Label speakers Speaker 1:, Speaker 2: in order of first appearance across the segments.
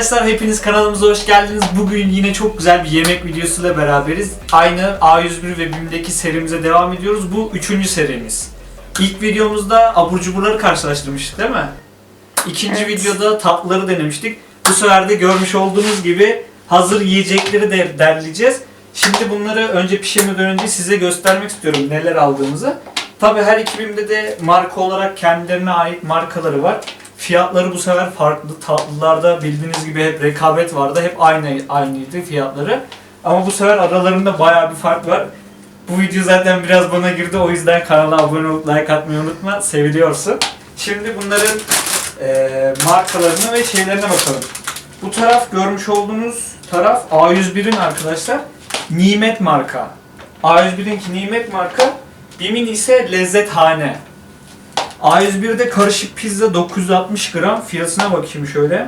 Speaker 1: Arkadaşlar hepiniz kanalımıza hoş geldiniz. Bugün yine çok güzel bir yemek videosuyla beraberiz. Aynı A101 ve BİM'deki serimize devam ediyoruz. Bu 3. serimiz. İlk videomuzda abur cuburları karşılaştırmıştık değil mi? İkinci videoda tatlıları denemiştik. Bu sefer de görmüş olduğunuz gibi hazır yiyecekleri de derleyeceğiz. Şimdi bunları önce pişirmeden önce size göstermek istiyorum neler aldığımızı. Tabii her iki BİM'de de marka olarak kendilerine ait markaları var. Fiyatları bu sefer farklı. Tatlılarda bildiğiniz gibi hep rekabet vardı. Hep aynıydı fiyatları. Ama bu sefer aralarında bayağı bir fark var. Bu video zaten biraz bana girdi. O yüzden kanala abone olup like atmayı unutma. Seviliyorsun. Şimdi bunların markalarına ve şeylerine bakalım. Bu taraf görmüş olduğunuz taraf A101'in arkadaşlar. Nimet marka. A101'inki Nimet marka. BİM'in ise Lezzethane. A101'de karışık pizza 960 gram. Fiyatına bakayım şöyle.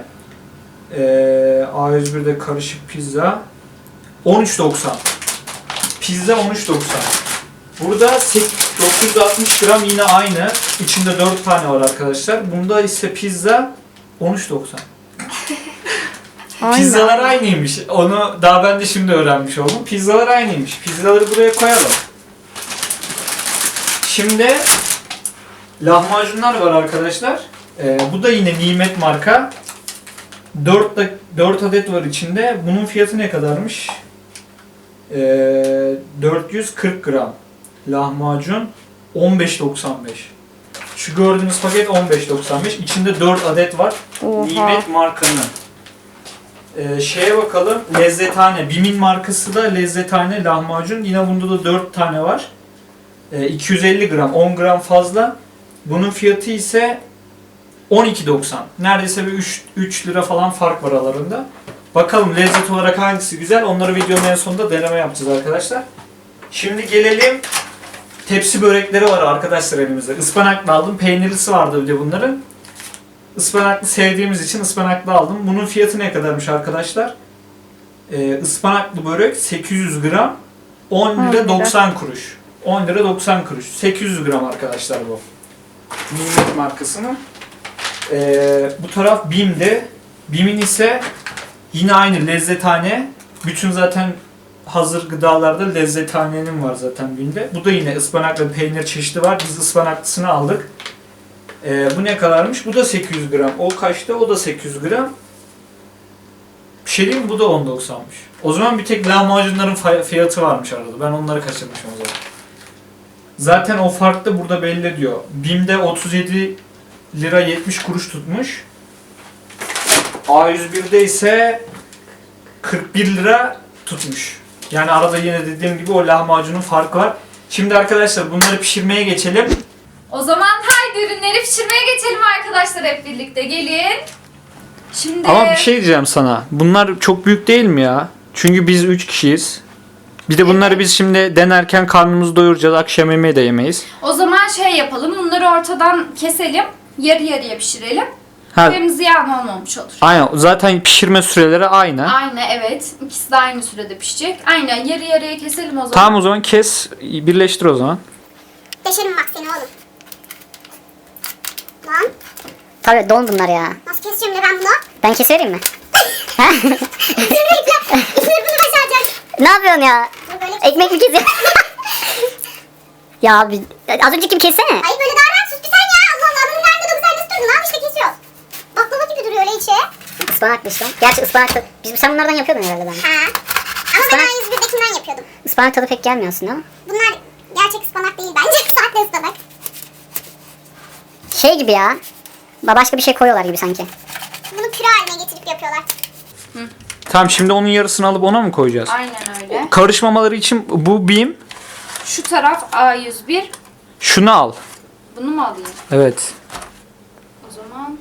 Speaker 1: A101'de karışık pizza 13.90. Pizza 13.90. Burada 960 gram yine aynı. İçinde 4 tane var arkadaşlar. Bunda ise pizza 13.90. Pizzalar aynıymış. Onu daha ben de şimdi öğrenmiş oldum. Pizzalar aynıymış. Pizzaları buraya koyalım. Şimdi lahmacunlar var arkadaşlar. Bu da yine Nimet marka. 4 adet var içinde. Bunun fiyatı ne kadarmış? 440 gram. Lahmacun 15.95. Şu gördüğünüz paket 15.95. İçinde 4 adet var.
Speaker 2: Oha.
Speaker 1: Nimet markanın. Şeye bakalım. Lezzethane. BİM'in markası da Lezzethane lahmacun. Yine bunda da 4 tane var. 250 gram. 10 gram fazla. Bunun fiyatı ise 12.90. Neredeyse bir 3 lira falan fark var aralarında. Bakalım lezzet olarak hangisi güzel. Onları videonun en sonunda deneme yapacağız arkadaşlar. Şimdi gelelim. Tepsi börekleri var arkadaşlar elimizde. Ispanaklı aldım. Peynirlisi vardı bir de bunların. Ispanaklı sevdiğimiz için ıspanaklı aldım. Bunun fiyatı ne kadarmış arkadaşlar? Ispanaklı börek 800 gram 10 lira 90 kuruş. 10 lira 90 kuruş. 800 gram arkadaşlar bu. Nimet markasının. Bu taraf BİM'de. BİM'in ise yine aynı Lezzethane. Bütün zaten hazır gıdalarda Lezzethane'nin var zaten BİM'de. Bu da yine ıspanaklı peynir çeşidi var. Biz ıspanaklısını aldık. Bu ne kadarmış? Bu da 800 gram. O kaçta? O da 800 gram. Bir şey diyeyim mi? Bu da 10.90'mış. O zaman bir tek lahmacunların fiyatı varmış arada. Ben onları kaçırmışım o zaman. Zaten o fark da burada belli diyor. BİM'de 37 lira 70 kuruş tutmuş. A101'de ise 41 lira tutmuş. Yani arada yine dediğim gibi o lahmacunun farkı var. Şimdi arkadaşlar bunları pişirmeye geçelim.
Speaker 2: O zaman haydi ürünleri pişirmeye geçelim arkadaşlar, hep birlikte gelin. Şimdi
Speaker 1: Ama bir şey diyeceğim sana. Bunlar çok büyük değil mi ya? Çünkü biz 3 kişiyiz. Bir de bunları biz şimdi denerken karnımızı doyuracağız. Akşam yemeği de yemeyiz.
Speaker 2: O zaman şey yapalım. Bunları ortadan keselim. Yarı yarıya pişirelim.
Speaker 1: Ha,
Speaker 2: Hem ziyan olmamış olur.
Speaker 1: aynen. Zaten pişirme süreleri aynı.
Speaker 2: Aynı, evet. İkisi de aynı sürede pişecek. Aynen, yarı yarıya keselim o zaman.
Speaker 1: Tamam, o zaman kes. Birleştir o zaman.
Speaker 3: Deşerim bak seni oğlum. Lan
Speaker 4: Tabii don bunlar ya.
Speaker 3: nasıl keseceğim de ben bunu?
Speaker 4: Ben keserim mi?
Speaker 3: İsmini bunu başaracak.
Speaker 4: Ne yapıyorsun ya?
Speaker 3: Dur böyle
Speaker 4: Ekmek mi kesiyorsun? Ya abi, az önceki gibi kessene.
Speaker 3: Hayır böyle daha rahat sus bir sen ya. Allah Allah adamın karnında 9 ay nasıl durdun lan işte kesiyoruz. Baklava gibi duruyor öyle içi.
Speaker 4: Ispanak işte. Gerçi ıspanak tadı. Sen bunlardan yapıyordun herhalde ben.
Speaker 3: Ha. Ama
Speaker 4: Ispanak-
Speaker 3: ben A101'dekinden yapıyordum.
Speaker 4: Ispanak tadı pek gelmiyor aslında ama.
Speaker 3: Bunlar gerçek ıspanak değil bence. Sahte ıspanak.
Speaker 4: Şey gibi ya. Başka bir şey koyuyorlar gibi sanki.
Speaker 3: Bunu püre haline getirip yapıyorlar.
Speaker 1: Tamam, şimdi onun yarısını alıp ona mı koyacağız?
Speaker 2: Aynen öyle.
Speaker 1: Karışmamaları için bu BİM.
Speaker 2: Şu taraf A101.
Speaker 1: Şunu al.
Speaker 2: Bunu mu alayım?
Speaker 1: Evet.
Speaker 2: O zaman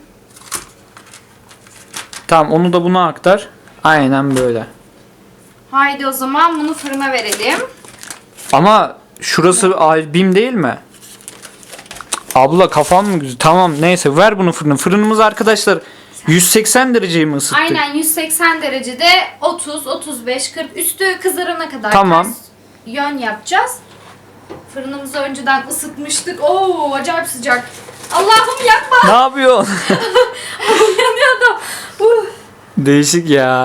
Speaker 1: Tamam, onu da buna aktar. Aynen böyle.
Speaker 2: haydi o zaman bunu fırına verelim.
Speaker 1: Ama şurası BİM değil mi? Abla kafan mı güzel? Tamam, neyse ver bunu fırına. Fırınımız arkadaşlar 180 dereceyi mi ısıttık?
Speaker 2: Aynen 180 derecede 30, 35, 40 üstü kızarana kadar
Speaker 1: Tamam.
Speaker 2: ters yön yapacağız. Fırınımızı önceden ısıtmıştık. Oo, acayip sıcak. Allah'ım yakma.
Speaker 1: Ne yapıyorsun?
Speaker 2: Yanıyordum.
Speaker 1: Değişik ya.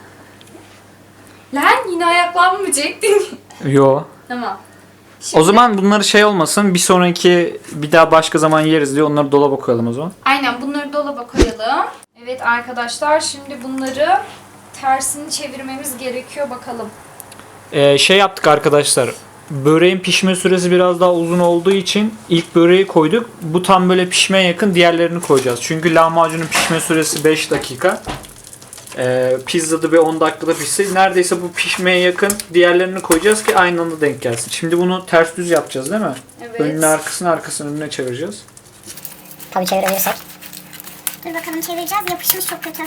Speaker 2: Lan yine ayaklanmayacaktın.
Speaker 1: Yo.
Speaker 2: Tamam.
Speaker 1: O zaman bunları şey olmasın. Bir sonraki bir daha başka zaman yeriz diye onları dolaba koyalım o zaman.
Speaker 2: Aynen bunları dolaba koyalım. Evet arkadaşlar şimdi bunları tersini çevirmemiz gerekiyor bakalım.
Speaker 1: Şey yaptık arkadaşlar. Böreğin pişme süresi biraz daha uzun olduğu için ilk böreği koyduk. Bu tam böyle pişmeye yakın, diğerlerini koyacağız. Çünkü lahmacunun pişme süresi 5 dakika. Pizzada bir 10 dakikada pişse neredeyse bu pişmeye yakın, diğerlerini koyacağız ki aynı anda denk gelsin. Şimdi bunu ters düz yapacağız değil mi?
Speaker 2: Evet.
Speaker 1: Önüne arkasını, arkasını önüne çevireceğiz.
Speaker 4: Tabii çevirebilirsek.
Speaker 3: Dur bakalım çevireceğiz. Yapışmış çok kötü.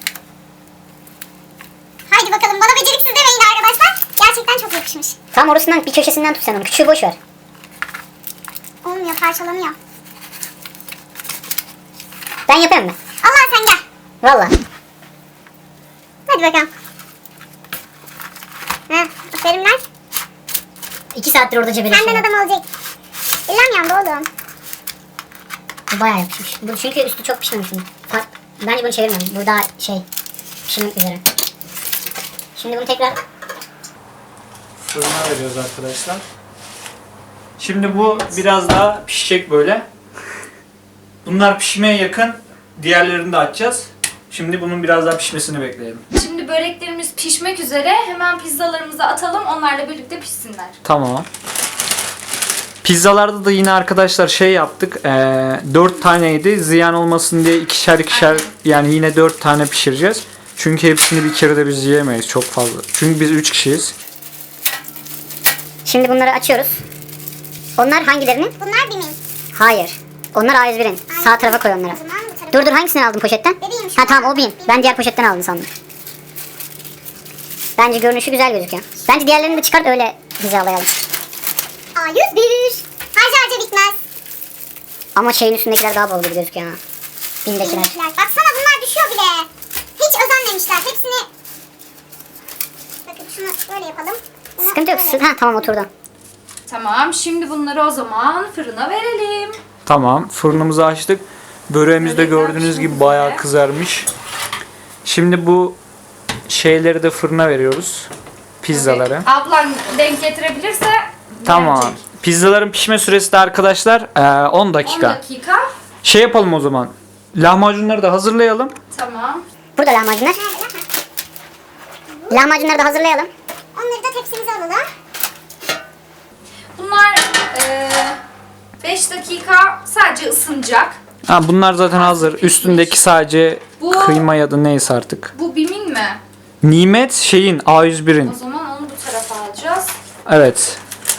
Speaker 3: Haydi bakalım bana beceriksiz demeyin arkadaşlar. Gerçekten çok yapışmış.
Speaker 4: Tam orasından bir köşesinden tut sen onu. Küçüğü boş ver.
Speaker 3: Olmuyor, parçalanıyor.
Speaker 4: Ben yapayım mı?
Speaker 3: Allah sen gel.
Speaker 4: Valla.
Speaker 3: Hadi bakalım. Heh, aferin lan.
Speaker 4: 2 saattir orada cebeleşiyor.
Speaker 3: Senden adam olacak. Elim yandı oğlum.
Speaker 4: Bu bayağı yapışmış. Bu çünkü üstü çok pişmemiş. Bence bunu çevirmiyorum. Bu daha şey pişmek üzere. Şimdi bunu tekrar
Speaker 1: Fırına veriyoruz arkadaşlar. Şimdi bu biraz daha pişecek böyle. Bunlar pişmeye yakın. Diğerlerini de açacağız. Şimdi bunun biraz daha pişmesini bekleyelim.
Speaker 2: Şimdi böreklerimiz pişmek üzere. Hemen pizzalarımızı atalım. Onlarla birlikte pişsinler.
Speaker 1: Tamam. Pizzalarda da yine arkadaşlar şey yaptık. 4 taneydi. Ziyan olmasın diye ikişer ikişer,
Speaker 2: Aynen.
Speaker 1: yani yine 4 tane pişireceğiz. Çünkü hepsini bir kere de biz yiyemeyiz çok fazla. Çünkü biz 3 kişiyiz.
Speaker 4: şimdi bunları açıyoruz. Onlar hangilerinin?
Speaker 3: Bunlar bimin.
Speaker 4: Hayır. Onlar A101'in. Sağ tarafa koy onları.
Speaker 3: O zaman bu tarafa.
Speaker 4: Dur hangisini aldın poşetten?
Speaker 3: Bebeğim şu
Speaker 4: Ha tamam
Speaker 3: an.
Speaker 4: o bin. Ben diğer poşetten aldım sandım. Bence görünüşü güzel gözüküyor. Bence diğerlerini de çıkart öyle hizalayalım.
Speaker 3: A101. Harca harca bitmez.
Speaker 4: Ama şeyin üstündekiler daha bol gibi gözüküyor ha. Bindekiler.
Speaker 3: Bindekiler. Baksana bunlar düşüyor bile. Hiç özenmemişler. Hepsini... Bakın şunu böyle yapalım. Bunu
Speaker 4: Sıkıntı yok.
Speaker 3: böyle.
Speaker 4: Ha tamam oturdu.
Speaker 2: Tamam şimdi bunları o zaman fırına verelim.
Speaker 1: Tamam, fırınımızı açtık. Böreğimiz de
Speaker 2: Börekler
Speaker 1: gördüğünüz
Speaker 2: pişmek
Speaker 1: gibi bayağı
Speaker 2: üzere.
Speaker 1: kızarmış. Şimdi bu şeyleri de fırına veriyoruz. Pizzaları.
Speaker 2: Evet. Ablan denk getirebilirse
Speaker 1: Tamam.
Speaker 2: verecek.
Speaker 1: Pizzaların pişme süresi de arkadaşlar 10 dakika.
Speaker 2: 10 dakika.
Speaker 1: Şey yapalım o zaman. Lahmacunları da hazırlayalım.
Speaker 2: Tamam.
Speaker 4: Burada lahmacunlar. Lahmacunları da hazırlayalım.
Speaker 3: Onları da tepsimize alalım.
Speaker 2: Bunlar 5 dakika sadece ısınacak.
Speaker 1: Ha, bunlar zaten hazır. Üstündeki sadece
Speaker 2: Bu-
Speaker 1: kıyma ya da neyse artık.
Speaker 2: Bu bimin mi?
Speaker 1: Nimet şeyin A101'in.
Speaker 2: O zaman onu bu tarafa alacağız.
Speaker 1: Evet.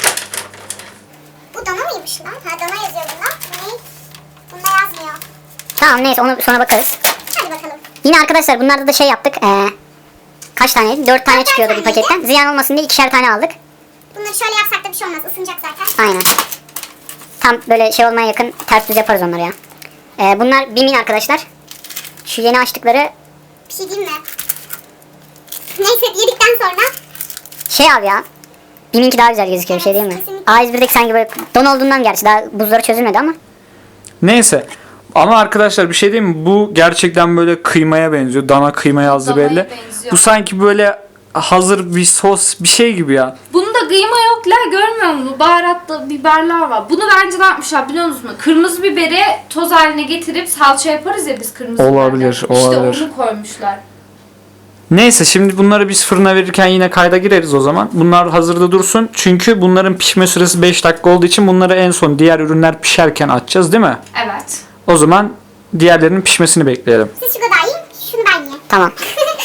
Speaker 3: Bu dana mıymış lan? Ha dana yazıyor bunda. Ne? Bunda yazmıyor.
Speaker 4: Tamam neyse onu sonra bakarız.
Speaker 3: Hadi bakalım.
Speaker 4: Yine arkadaşlar bunlarda da şey yaptık. Kaç taneydi? 4 tane
Speaker 3: Dört
Speaker 4: çıkıyordu bir
Speaker 3: taneydi.
Speaker 4: paketten. Ziyan olmasın diye 2'şer tane aldık.
Speaker 3: Bunları şöyle yapsak da bir şey olmaz. Isınacak zaten.
Speaker 4: Aynen. Tam böyle şey olmaya yakın ters düz yaparız onları ya. Bunlar Bim'in arkadaşlar. Şu yeni açtıkları
Speaker 3: Bir şey diyeyim mi? Neyse yedikten sonra
Speaker 4: şey abi ya. Bim'inki daha güzel gözüküyor bir şey değil mi?
Speaker 3: Kesinlikle.
Speaker 4: A101'deki sanki böyle don olduğundan gerçi daha buzları çözülmedi ama.
Speaker 1: Neyse. Ama arkadaşlar bir şey diyeyim mi? Bu gerçekten böyle kıymaya benziyor. Dana kıyma yazdı
Speaker 2: Danaya
Speaker 1: belli.
Speaker 2: benziyor.
Speaker 1: Bu sanki böyle hazır bir sos bir şey gibi ya.
Speaker 2: Bunda kıyma yok la, görmüyor musun? Baharatlı biberler var. Bunu bence ne yapmışlar biliyor musun? Kırmızı biberi toz haline getirip salça yaparız ya biz kırmızı
Speaker 1: Olabilir,
Speaker 2: biberden.
Speaker 1: olabilir.
Speaker 2: İşte onu koymuşlar.
Speaker 1: Neyse şimdi bunları biz fırına verirken yine kayda gireriz o zaman. Bunlar hazırda dursun. Çünkü bunların pişme süresi 5 dakika olduğu için bunları en son diğer ürünler pişerken açacağız değil mi?
Speaker 2: Evet.
Speaker 1: O zaman diğerlerinin pişmesini bekleyelim.
Speaker 3: siz şu kadar yiyin. Şunu ben yiyeyim.
Speaker 4: Tamam.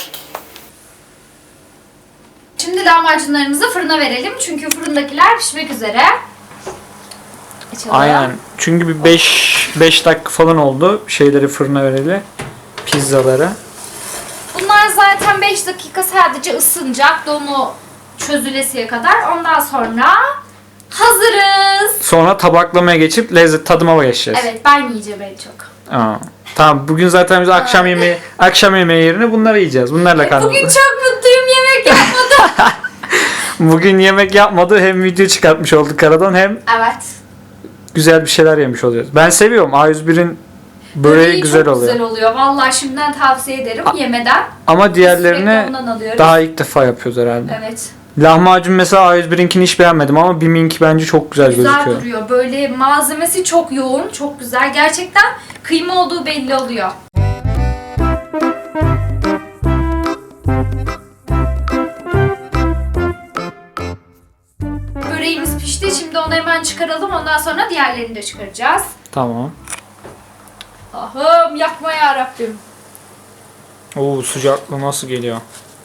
Speaker 2: Şimdi lahmacunlarımızı fırına verelim. Çünkü fırındakiler pişmek üzere. Açalım.
Speaker 1: Aynen. Çünkü bir 5 dakika falan oldu şeyleri fırına vereli. Pizzaları.
Speaker 2: Bunlar zaten 5 dakika sadece ısınacak. Donu çözülesiye kadar. Ondan sonra hazırız.
Speaker 1: Sonra tabaklamaya geçip lezzet tadıma geçeceğiz.
Speaker 2: Evet ben yiyeceğim en çok.
Speaker 1: Aa, tamam bugün zaten biz akşam yemeği yerine bunları yiyeceğiz. Bunlarla karnımızı.
Speaker 2: Bugün çok mutluyum, yemek yapmadım.
Speaker 1: Bugün yemek yapmadı. Hem video çıkartmış olduk aradan hem
Speaker 2: Evet.
Speaker 1: güzel bir şeyler yemiş oluyoruz. Ben seviyorum. A101'in Böreği güzel
Speaker 2: çok
Speaker 1: oluyor.
Speaker 2: güzel oluyor. Vallahi şimdiden tavsiye ederim yemeden.
Speaker 1: Ama diğerlerini
Speaker 2: Sürekli ondan alıyoruz.
Speaker 1: daha ilk defa yapıyoruz herhalde.
Speaker 2: Evet.
Speaker 1: Lahmacun mesela A101'inkini hiç beğenmedim ama BİM'inki bence çok güzel
Speaker 2: Güzel
Speaker 1: gözüküyor.
Speaker 2: duruyor. Böyle malzemesi çok yoğun, çok güzel. Gerçekten kıyma olduğu belli oluyor. Böreğimiz pişti. Şimdi onu hemen çıkaralım. Ondan sonra diğerlerini de çıkaracağız.
Speaker 1: Tamam.
Speaker 2: Ahım yakma ya Rabbim.
Speaker 1: Oo, sıcaklığı nasıl geliyor?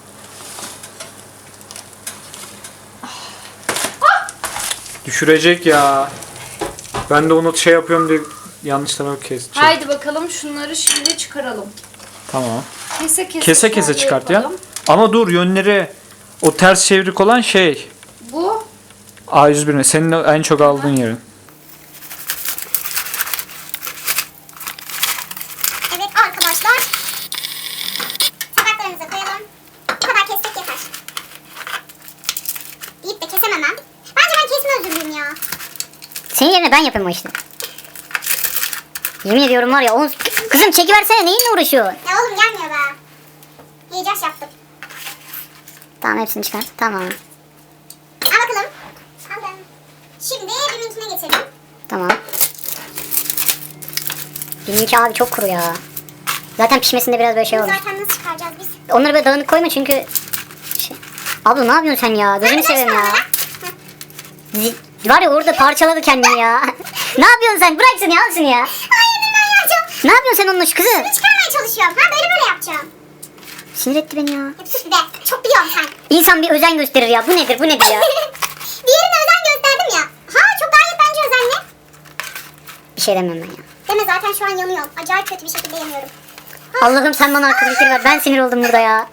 Speaker 1: Düşürecek ya. Ben de onu şey yapıyorum diye yanlış tarafa keseceğim.
Speaker 2: Haydi bakalım şunları şimdi çıkaralım.
Speaker 1: Tamam.
Speaker 2: Kese kese.
Speaker 1: Kese kese
Speaker 2: şöyle
Speaker 1: çıkart ya.
Speaker 2: yapalım.
Speaker 1: Ama dur, yönleri o ters çevrik olan şey
Speaker 2: Bu
Speaker 1: A101'in senin en çok aldığın yerin.
Speaker 3: Evet arkadaşlar. Tabaklarımıza koyalım. Bu kadar kessek yeter. Deyip de kesemem ben. Bence ben kesme özürlüyüm ya.
Speaker 4: Senin yerine ben yapayım o işi. Yemin ediyorum var ya. Kızım çekiversene, neyinle uğraşıyorsun?
Speaker 3: Ya oğlum gelmiyor be. Heyecan yaptım.
Speaker 4: Tamam, hepsini çıkart. Tamam.
Speaker 3: Al bakalım. Aldım. Şimdi BİM'inkine geçelim.
Speaker 4: Tamam. Benimki abi çok kuru ya. Zaten pişmesinde biraz böyle şey olmuş.
Speaker 3: Zaten nasıl çıkaracağız biz?
Speaker 4: Onları böyle dağınık koyma çünkü... Abla ne yapıyorsun sen ya? Gözünü seveyim ya. Var ya orada parçaladı kendini ya. Ne yapıyorsun sen? Bırak şunu ya, al şunu ya.
Speaker 3: Hayır ben yapacağım.
Speaker 4: Ne yapıyorsun sen onunla şu kızı?
Speaker 3: Çıkarmaya çalışıyorum. Ha böyle yapacağım.
Speaker 4: Sinir etti beni ya.
Speaker 3: Ya sus bir de. Çok biliyorum sen.
Speaker 4: İnsan bir özen gösterir ya. Bu nedir ya?
Speaker 3: Diğerine özen gösterdim ya. Ha çok gayet bence özenli.
Speaker 4: Bir şey demem ben ya.
Speaker 3: Deme zaten şu an yanıyorum. Acayip kötü bir şekilde yanıyorum.
Speaker 4: Allah'ım sen bana akıl fikir ver. Ben sinir oldum burada ya.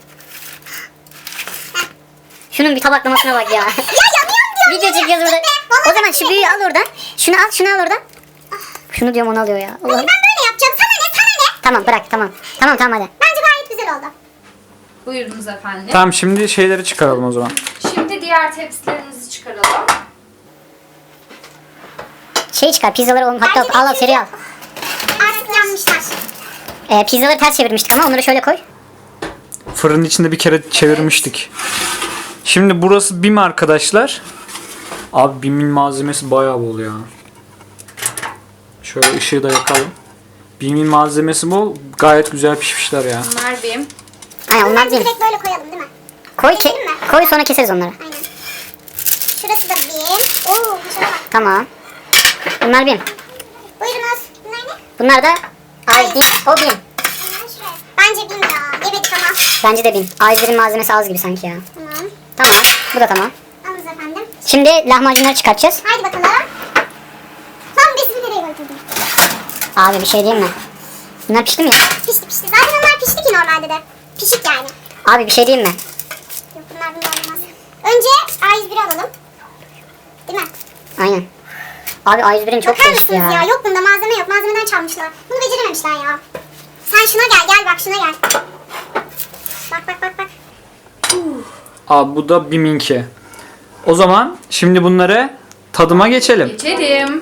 Speaker 4: Şunun bir tabaklamasına bak ya.
Speaker 3: Ya yanıyorum diyorum.
Speaker 4: Video çekiyoruz burada.
Speaker 3: Vallahi
Speaker 4: O zaman şu büyüğü al oradan. Şunu al oradan. Şunu diyorum, onu alıyor ya.
Speaker 3: Ben
Speaker 4: Allah'ım.
Speaker 3: böyle yapacağım. Sana ne sana ne?
Speaker 4: Tamam bırak, tamam. Tamam hadi.
Speaker 3: Bence gayet güzel oldu.
Speaker 2: buyurunuz efendim.
Speaker 1: Tamam, şimdi şeyleri çıkaralım o zaman.
Speaker 2: Şimdi diğer tepsilerimizi çıkaralım.
Speaker 4: Şey çıkar, pizzaları oğlum, hatta
Speaker 3: Bence de
Speaker 4: al seri al.
Speaker 3: Artık yanmışlar.
Speaker 4: Pizzaları ters çevirmiştik ama onları şöyle koy.
Speaker 1: Fırının içinde bir kere çevirmiştik. Şimdi burası BİM arkadaşlar. Abi BİM'in malzemesi bayağı bol ya. Şöyle ışığı da yakalım. BİM'in malzemesi bol. Gayet güzel pişmişler ya.
Speaker 2: Bunlar benim.
Speaker 4: Aynen onlar
Speaker 3: Bence
Speaker 4: değil.
Speaker 3: direkt böyle koyalım değil mi?
Speaker 4: Koy,
Speaker 3: Keselim mi?
Speaker 4: koy sonra keseriz onları.
Speaker 3: Aynen. Şurası da bir. Oo şuna bak.
Speaker 4: Tamam. Bunlar benim.
Speaker 3: Buyurunuz. Bunlar ne?
Speaker 4: Bunlar da ay bin, o bin.
Speaker 3: Bunlar şuraya. Bence bin ya. Yemedik ama.
Speaker 4: Bence de bin. A101'in malzemesi az gibi sanki ya.
Speaker 3: Tamam.
Speaker 4: Tamam. Bu da tamam.
Speaker 3: Alınız efendim.
Speaker 4: Şimdi lahmacunları çıkartacağız.
Speaker 3: Haydi bakalım. Son besini nereye götürdün?
Speaker 4: Abi bir şey diyeyim mi? Bunlar pişti mi ya?
Speaker 3: Pişti pişti. Zaten onlar pişti ki normalde de. Pişik yani.
Speaker 4: Abi bir şey diyeyim mi?
Speaker 3: Yok bunlar olmaz. Önce A101'i alalım. Değil mi?
Speaker 4: Aynen. Abi A101'in çok
Speaker 3: Bakar
Speaker 4: değişti
Speaker 3: mısınız
Speaker 4: ya.
Speaker 3: ya? Yok bunda malzeme yok. Malzemeden çalmışlar. Bunu becerememişler ya. Sen şuna gel bak şuna gel. Bak.
Speaker 1: Abi bu da BİM'inki. O zaman şimdi bunları tadıma geçelim.
Speaker 2: Geçelim.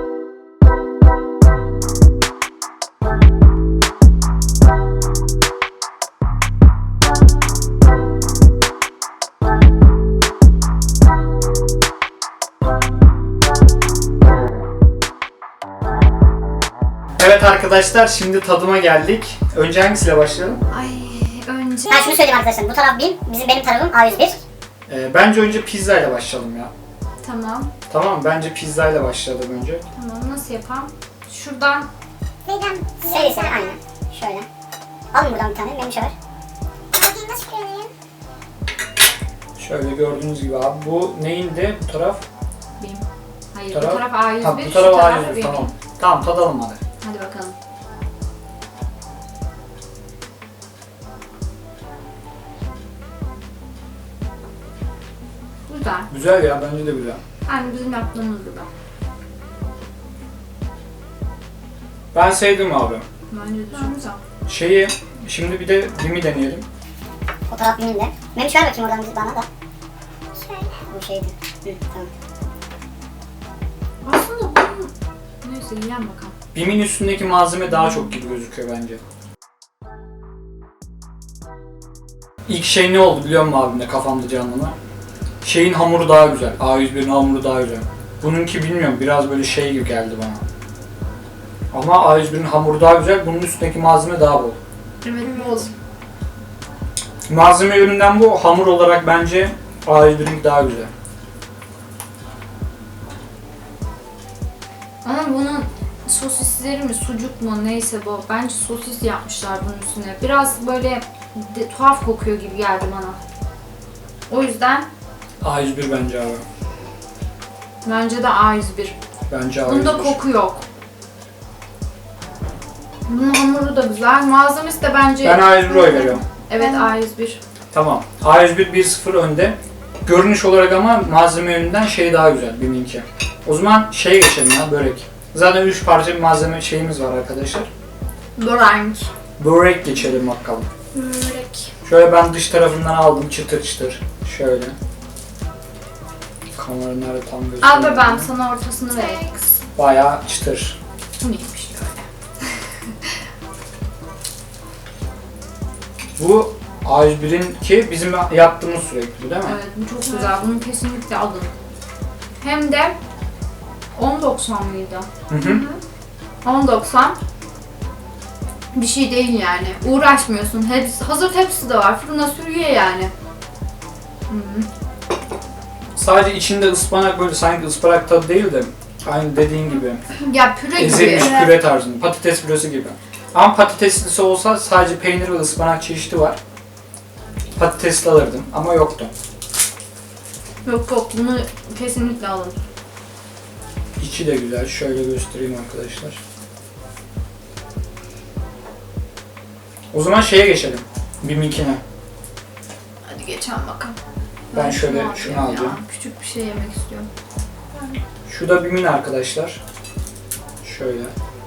Speaker 1: Evet arkadaşlar, şimdi tadıma geldik. Önce hangisiyle başlayalım?
Speaker 2: Ay önce.
Speaker 4: Ben şunu söyleyeyim arkadaşlar. Bu taraf bin, benim tarafım A101.
Speaker 1: Bence önce pizza ile başlayalım ya.
Speaker 2: Tamam.
Speaker 1: Tamam, bence pizza ile başlayalım önce.
Speaker 2: Tamam nasıl yapalım? Şuradan
Speaker 3: Neden?
Speaker 4: Seri aynen. Şöyle. Alın buradan bir tane, benim şey var.
Speaker 3: Bakayım nasıl koyayım?
Speaker 1: Şöyle gördüğünüz gibi abi, bu neyindi bu taraf?
Speaker 2: benim. Hayır
Speaker 1: Taraf-
Speaker 2: bu taraf A101.
Speaker 1: Tamam, bu
Speaker 2: şu
Speaker 1: taraf
Speaker 2: taraf
Speaker 1: A101,
Speaker 2: benim.
Speaker 1: tamam. Tamam, tadalım hadi.
Speaker 2: Hadi bakalım. Güzel.
Speaker 1: Güzel ya, bence de güzel.
Speaker 2: Yani bizim yaptığımız gibi.
Speaker 1: Ben sevdim abi.
Speaker 2: Bence de çok güzel.
Speaker 1: Şimdi bir de BİM'i deneyelim.
Speaker 4: O taraf binin de. Memiş ver bakayım oradan bana da.
Speaker 3: Şöyle.
Speaker 4: Bu şeydi. Hı, tamam.
Speaker 2: Aslında bunun... Neyse yiyen bakalım.
Speaker 1: BİM'in üstündeki malzeme daha çok gibi gözüküyor bence. İlk şey ne oldu biliyor musun abimle kafamda canlanan? Şeyin hamuru daha güzel. A101'in hamuru daha güzel. Bununki bilmiyorum biraz böyle şey gibi geldi bana. Ama A101'in hamuru daha güzel. Bunun üstündeki malzeme daha bol.
Speaker 2: Evet, bol.
Speaker 1: Malzeme yönünden bu. Hamur olarak bence A101'in daha güzel.
Speaker 2: Ama bunun sosisleri mi, sucuk mu neyse bu. Bence sosis yapmışlar bunun üstüne. Biraz böyle tuhaf kokuyor gibi geldi bana. O yüzden
Speaker 1: A101 bence abi.
Speaker 2: bence de A101.
Speaker 1: Bence A101.
Speaker 2: Bunda koku yok. Bunun hamuru da güzel. Malzemesi de bence...
Speaker 1: Ben A101 oy veriyorum.
Speaker 2: Evet, A101.
Speaker 1: Tamam. A101 1-0 önde. Görünüş olarak ama malzeme yönünden şey daha güzel BİM'inki. O zaman şeye geçelim ya, börek. Zaten 3 parça bir malzeme şeyimiz var arkadaşlar.
Speaker 2: Börek.
Speaker 1: Börek geçelim bakalım.
Speaker 2: Börek.
Speaker 1: Şöyle ben dış tarafından aldım çıtır çıtır. Şöyle. Kamera nerede tam gözüküyor.
Speaker 2: Al bebeğim, sana ortasını vereyim kız.
Speaker 1: Bayağı çıtır.
Speaker 2: Bu neymiş öyle?
Speaker 1: Bu A101'inki bizim yaptığımız sürekli değil mi?
Speaker 2: Evet, bu çok güzel. Bunu kesinlikle alın. Hem de 10.90 mıydı?
Speaker 1: Hı hı.
Speaker 2: 10.90 bir şey değil yani. Uğraşmıyorsun. Hazır tepsi de var. Fırına sürüyor yani. Hı.
Speaker 1: Sadece içinde ıspanak böyle sanki ıspanak tadı değil de aynı dediğin gibi
Speaker 2: Ya püre gibi.
Speaker 1: ezilmiş püre tarzında, patates püresi gibi. Ama patateslisi olsa sadece peynir ve ıspanak çeşidi var. Patatesli alırdım ama yoktu.
Speaker 2: Yok yok, bunu kesinlikle alın.
Speaker 1: İçi de güzel. Şöyle göstereyim arkadaşlar. O zaman şeye geçelim. BİM'inkine.
Speaker 2: Hadi geçelim bakalım.
Speaker 1: Ben şöyle
Speaker 2: alayım
Speaker 1: şunu
Speaker 2: ya.
Speaker 1: alacağım.
Speaker 2: Küçük bir şey yemek istiyorum.
Speaker 1: Şu da BİM'in arkadaşlar. Şöyle.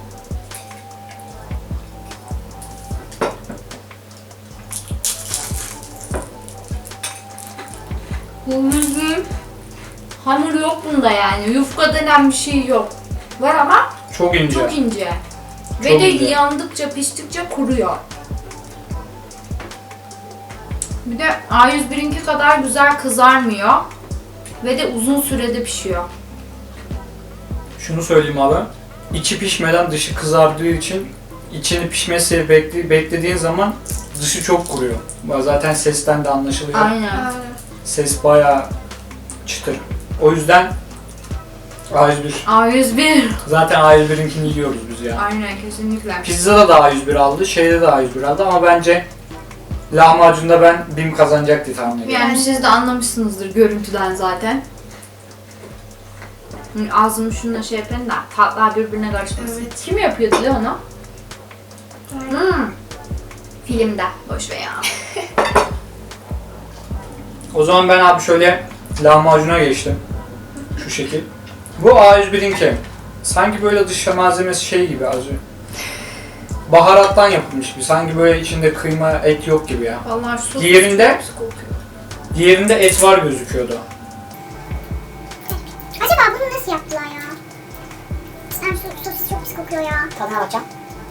Speaker 2: Bu müziğin hamur yok bunda yani. Yufka denen bir şey yok. Var ama
Speaker 1: Çok ince.
Speaker 2: çok ince. Ve
Speaker 1: Çok
Speaker 2: de
Speaker 1: ince.
Speaker 2: yandıkça piştikçe kuruyor. Bir de A101'inki kadar güzel kızarmıyor. Ve de uzun sürede pişiyor.
Speaker 1: Şunu söyleyeyim abi. İçi pişmeden dışı kızardığı için içini pişmesi beklediğin zaman dışı çok kuruyor. Zaten sesten de anlaşılıyor.
Speaker 2: Aynen.
Speaker 1: Ses bayağı çıtır. O yüzden A101.
Speaker 2: A101.
Speaker 1: Zaten A101'inkini yiyoruz biz ya.
Speaker 2: Aynen, kesinlikle.
Speaker 1: Pizzada da A101 aldı, şeyde de A101 aldı ama bence lahmacunda ben BİM kazanacak diye tahmin ediyorum.
Speaker 2: Yani siz de anlamışsınızdır görüntüden zaten. Ağzımı şununla şey yapayım da tatlar birbirine karışmasın.
Speaker 3: Evet.
Speaker 2: Kim yapıyordu lan onu? Filmde. Boş ver ya.
Speaker 1: O zaman ben abi şöyle lahmacuna geçtim. Şu şekil. Bu A101'inki. Sanki böyle dış malzemesi şey gibi azı. Baharattan yapılmış gibi. Sanki böyle içinde kıyma, et yok gibi ya.
Speaker 2: Vallahi şu
Speaker 1: Diğerinde- Diğerinde et var gözüküyordu.
Speaker 3: Acaba bunu nasıl yaptılar ya? Sen şu sosis çok pis kokuyor ya.
Speaker 4: Tadına bakacağım.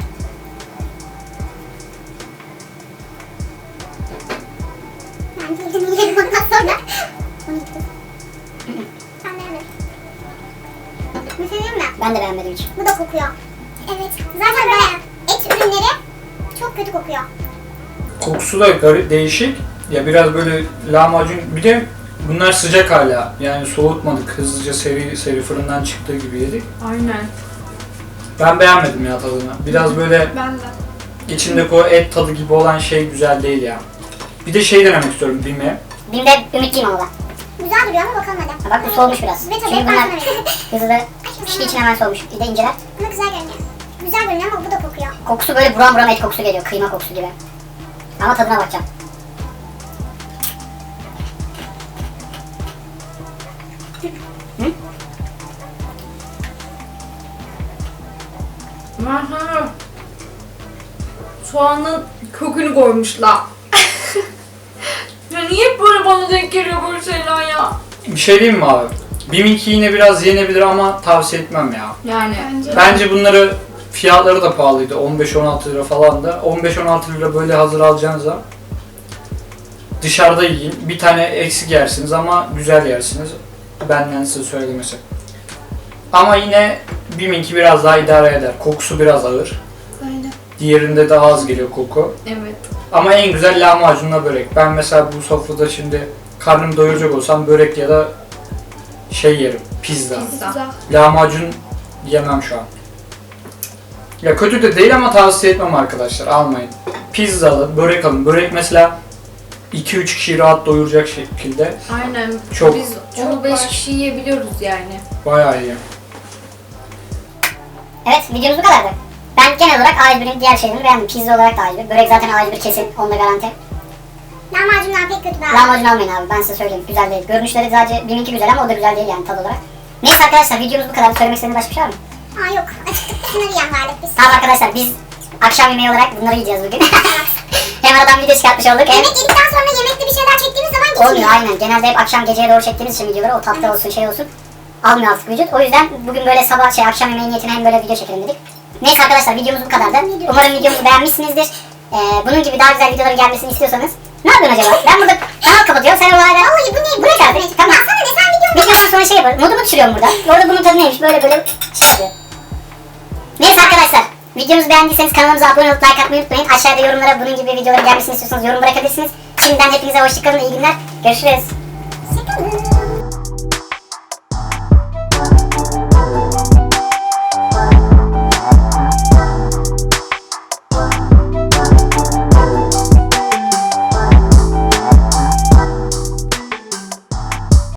Speaker 3: Ben bildim yiyelim ondan sonra. Onu gittim. Sen beğenmedin. Mesela değil mi?
Speaker 4: Ben de beğenmedim hiç.
Speaker 3: Bu da kokuyor. Evet. Zaten böyle et ürünleri çok kötü kokuyor.
Speaker 1: Kokusu da garip, değişik. Ya biraz böyle lahmacun, bir de bunlar sıcak hala. Yani soğutmadık, hızlıca seri fırından çıktığı gibi yedik.
Speaker 2: Aynen.
Speaker 1: Ben beğenmedim ya tadını. Biraz böyle
Speaker 2: Ben de.
Speaker 1: içindeki o et tadı gibi olan şey güzel değil ya. Bir de şey denemek istiyorum BİM'e.
Speaker 4: Bim'de ümitliyim ama ben.
Speaker 3: Güzel duruyor ama bakalım hadi.
Speaker 4: Ha bak bu soğumuş biraz.
Speaker 3: Ve tabii
Speaker 4: Çünkü
Speaker 3: ben
Speaker 4: bunlar
Speaker 3: sana veriyorum.
Speaker 4: hızlı piştiği için hemen soğumuş. Bir de inceler.
Speaker 3: Ama güzel görünüyor. Güzel görünüyor ama bu da kokuyor.
Speaker 4: Kokusu böyle buram buram et kokusu geliyor. Kıyma kokusu gibi. Ama tadına bakacağım.
Speaker 2: Aha. Soğanın kökünü koymuşlar. Ya niye hep böyle bana denk geliyor böyle şeyler ya?
Speaker 1: Bir şey diyeyim mi abi? BİM'inki yine biraz yenebilir ama tavsiye etmem ya.
Speaker 2: Yani.
Speaker 1: Bence bunları Fiyatları da pahalıydı. 15-16 lira falan da. 15-16 lira böyle hazır alacağınıza dışarıda yiyin. Bir tane eksik yersiniz ama güzel yersiniz. Benden size söylemesi. Ama yine BİM'inki biraz daha idare eder. Kokusu biraz ağır.
Speaker 2: Öyle.
Speaker 1: Diğerinde daha az geliyor koku.
Speaker 2: Evet.
Speaker 1: Ama en güzel lahmacunla börek. Ben mesela bu sofrada şimdi karnımı doyuracak olsam börek ya da şey yerim. Pizza.
Speaker 2: Pizza.
Speaker 1: Lahmacun yemem şu an. Ya kötü de değil ama tavsiye etmem arkadaşlar. Almayın. Pizzalı, börek alın. Börek mesela 2-3 kişiyi rahat doyuracak şekilde.
Speaker 2: Aynen.
Speaker 1: Çok-
Speaker 2: Biz onu 5 kişi yiyebiliyoruz yani.
Speaker 1: Bayağı iyi.
Speaker 4: Evet, videomuz bu kadardı. Ben genel olarak A1'in diğer şeylerini beğendim. Pizza olarak da A1. Börek zaten A1 kesin, onda garanti.
Speaker 3: Lahmacunlar pek kötü be abi.
Speaker 4: Lahmacun almayın abi, ben size söyleyeyim. Güzel değil. Görünüşleri sadece BİM'inki güzel ama o da güzel değil yani tad olarak. Neyse arkadaşlar, videomuz bu kadar. Söylemek istediğiniz başka bir şey var mı?
Speaker 3: Aa yok. Acıktık da şunları yiyen vardık biz.
Speaker 4: Tamam arkadaşlar, biz akşam yemeği olarak bunları yiyeceğiz bugün. Hem aradan video çıkartmış olduk hem...
Speaker 3: Yemek yedikten sonra yemekte bir şeyler çektiğimiz zaman gitmiyor.
Speaker 4: Olmuyor aynen. Genelde hep akşam geceye doğru çektiğimiz için videoları o tatlı olsun şey olsun. Almıyor artık vücut. O yüzden bugün böyle sabah akşam yemeği niyetine hem böyle video çekelim dedik. Neyse arkadaşlar, videomuz bu kadardı. Umarım videomuzu beğenmişsinizdir. Bunun gibi daha güzel videoların gelmesini istiyorsanız ne yapıyorsun acaba? Ben burada kanal kapatıyorum. Sen orada...
Speaker 3: Vallahi bu ne?
Speaker 4: Bu ne kardeşim? Tamam.
Speaker 3: Baksana ne sen videomu
Speaker 4: Videodan sonra şey yaparım. Modumu düşürüyorum burada. Orada bunun tadı neymiş? Böyle şey yapıyor. Neyse arkadaşlar. Videomuzu beğendiyseniz kanalımıza abone olup like atmayı unutmayın. Aşağıda yorumlara bunun gibi videoların gelmesini istiyorsanız yorum bırakabilirsiniz. Şimdiden hepinize hoşçakalın, iyi günler. Görüşürüz.
Speaker 3: Şaka mı?